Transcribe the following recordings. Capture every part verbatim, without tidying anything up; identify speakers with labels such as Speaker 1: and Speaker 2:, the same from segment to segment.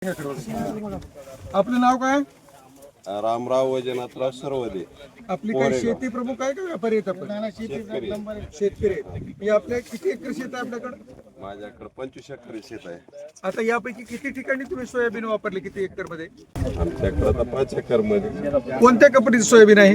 Speaker 1: आपलं नाव काय?
Speaker 2: रामराव वैजनाथराव सरवदे.
Speaker 1: आपली काय शेती प्रमुख आहे का व्यापारी आहेत आपण? शेतकरी आहेत. हे आपल्या किती एकर शेत आहे आपल्याकडे?
Speaker 2: माझ्याकडे पंचवीस एकर शेत आहे.
Speaker 1: आता यापैकी किती ठिकाणी तुम्ही सोयाबीन वापरले? किती एकर मध्ये?
Speaker 2: आमच्याकडे आता पाच एकर मध्ये.
Speaker 1: कोणत्या कंपनीचं सोयाबीन आहे?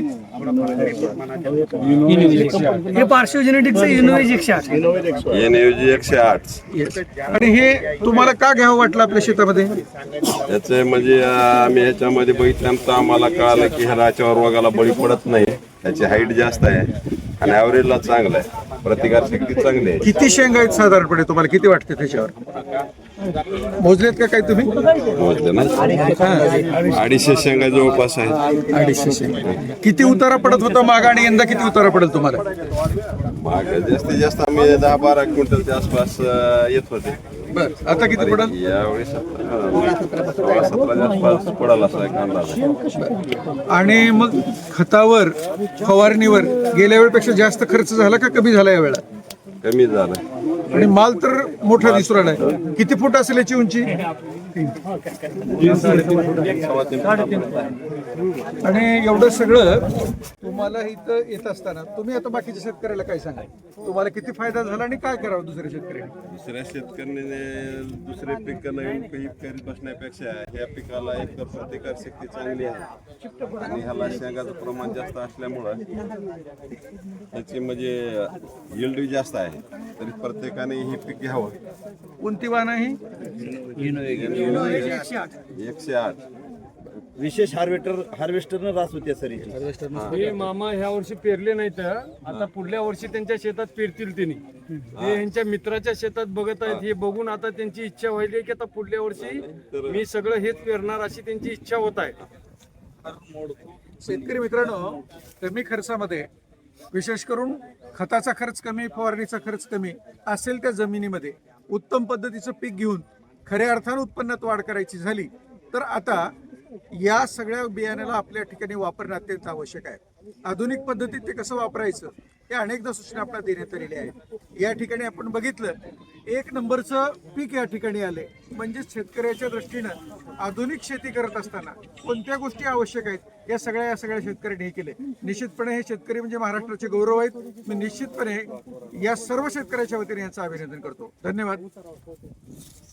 Speaker 3: हे पार्श्व जेनेटिक्सचं इनोवेज एकशे आठ.
Speaker 2: एनएजी एकशे आठ.
Speaker 1: आणि हे तुम्हाला का घ्यावं वाटलं आपल्या शेतामध्ये?
Speaker 2: याचे म्हणजे आम्ही ह्याच्यामध्ये बघितल्यानंतर आम्हाला कळालं की ह्या याच्यावर वगाला बळी पडत नाही. त्याची हाईट जास्त आहे आणि ॲव्हरेजला चांगलं आहे. प्रतिकारशक्ती चांगली आहे.
Speaker 1: किती शेंगा आहेत साधारणपणे तुम्हाला किती वाटते त्याच्यावर? मोजलेत का काही तुम्ही?
Speaker 2: मोजले ना, अडीचशे शेंगा जवळपास आहे.
Speaker 1: अडीचशे शेंगा. किती उतारा पडत होता माग आणि यंदा किती उतारा पडेल तुम्हाला?
Speaker 2: माग जास्तीत जास्त आम्ही दहा बारा क्विंटलच्या आसपास अं, येत होते.
Speaker 1: बर, आता किती पडेल?
Speaker 2: यावेळी सतरा सतराच्या आसपास पडाल असा एक अंदाज आहे.
Speaker 1: आणि मग खतावर फवारणीवर गेल्या वेळेपेक्षा जास्त खर्च झाला का कमी झाला या वेळा?
Speaker 2: कमी झालं.
Speaker 1: आणि माल तर मोठा दिसून राहिलाय. किती फूट असेल याची उंची? आणि एवढं सगळं तुम्हाला इथं येत असताना तुम्ही आता बाकीच्या शेतकऱ्याला काय सांगा? तुम्हाला किती फायदा झाला आणि काय करावं दुसऱ्या शेतकऱ्याने?
Speaker 2: दुसऱ्या शेतकऱ्याने दुसरे पीक नवीन पीक करीत बसण्यापेक्षा ह्या पिकाला एक तर प्रतिकारशक्ती चांगली आहे आणि ह्याला शेंगाचं प्रमाण जास्त असल्यामुळं त्याची म्हणजे यील्ड जास्त आहे. तरी प्रत्येकाने हे पीक घ्यावं.
Speaker 1: कोणती वाहन आहे?
Speaker 2: एकशे आठ.
Speaker 4: विशेष हार्वेस्टर हार्वेस्टरनं रास होते सर.
Speaker 5: हे मामा ह्या वर्षी पेरले नाही तर आता पुढल्या वर्षी त्यांच्या शेतात पेरतील त्यांनी. ते यांच्या मित्राच्या शेतात बघत आहेत. हे बघून आता त्यांची इच्छा व्हायली की आता पुढल्या वर्षी मी सगळं हेच पेरणार अशी त्यांची इच्छा होत आहे.
Speaker 1: शेतकरी मित्रांनो, कमी खर्चामध्ये विशेष करून खताचा खर्च कमी, फवारणीचा खर्च कमी असेल त्या जमिनीमध्ये उत्तम पद्धतीचं पीक घेऊन खऱ्या अर्थानं उत्पन्नात वाढ करायची झाली तर आता या सगळ्या बियाण्याला आपल्या ठिकाणी वापरणं अत्यंत आवश्यक आहे. आधुनिक पद्धतीत ते कसं वापरायचं हे अनेकदा सूचना आपल्याला देण्यात आलेल्या आहेत. या ठिकाणी आपण बघितलं एक नंबरचं पीक या ठिकाणी आले. म्हणजे शेतकऱ्याच्या दृष्टीनं आधुनिक शेती करत असताना कोणत्या गोष्टी आवश्यक आहेत या सगळ्या या सगळ्या शेतकऱ्यांनी हे केले. निश्चितपणे हे शेतकरी म्हणजे महाराष्ट्राचे गौरव आहेत. मी निश्चितपणे या सर्व शेतकऱ्याच्या वतीने यांचं अभिनंदन करतो. धन्यवाद.